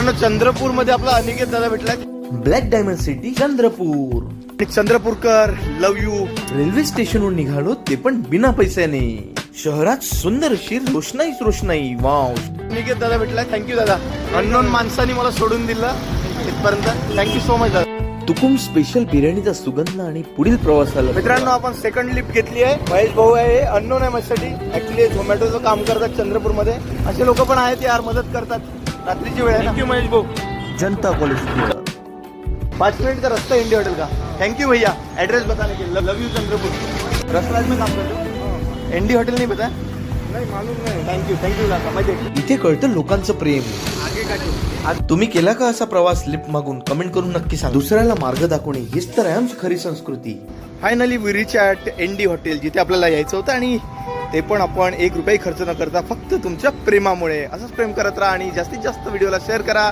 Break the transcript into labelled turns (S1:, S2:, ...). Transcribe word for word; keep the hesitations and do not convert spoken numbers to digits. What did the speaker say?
S1: चंद्रपूर मध्ये आपला अनिकेत दादा भेटलाय.
S2: Black diamond city Chandrapur.
S1: चंद्रपूरकर लव यू.
S2: रेल्वे स्टेशनवर निघालो ते पण बिना पैशाने. शहरात सुंदर अशी रोषणाईच रोषणाई. वाव.
S1: अनिकेत दादा भेटलाय. थँक्यू दादा. अननोन माणसाने मला सोडून दिलं इथपर्यंत. थँक्यू सो मच दादा.
S2: तुकुम स्पेशल बिर्याणीचा सुगंध आणि पुढील प्रवासाला.
S1: मित्रांनो आपण सेकंड लिफ्ट घेतली आहे. महेश भाऊ आहे, अननोन आहे माझ्यासाठी. ऍक्च्युली झोमॅटोचं काम करतात चंद्रपूर मध्ये. असे लोक पण आहेत यार, मदत करतात. रात्रीची वेळ आहे. थँक्यू महेश भाऊ.
S2: जनता कॉलेज.
S1: पाच मिनट का रास्ता इंडिया होटल का. थैंक यू भैया एड्रेस बताने के लिए. लव यू चंद्रपुर. रसराज में काम करते हो. एनडी हॉटेल नहीं पता नहीं मालूम नहीं. थँक्यू थँक्यू दादा. मजे.
S2: इथे कळतं लोकांचं प्रेम. आज तुम्ही केला का असा प्रवास लिफ्ट मागून? कमेंट करून नक्की सांगा. दुसऱ्याला मार्ग दाखवणे हीच तर आहे आमची खरी संस्कृती.
S1: Finally we reach at ND hotel, जिथे आपल्याला यायचं होतं आणि ते पण आपण एक रुपये खर्च न करता फक्त तुमच्या प्रेमामुळे. असंच प्रेम करत राहा आणि जास्तीत जास्त व्हिडिओला शेअर करा.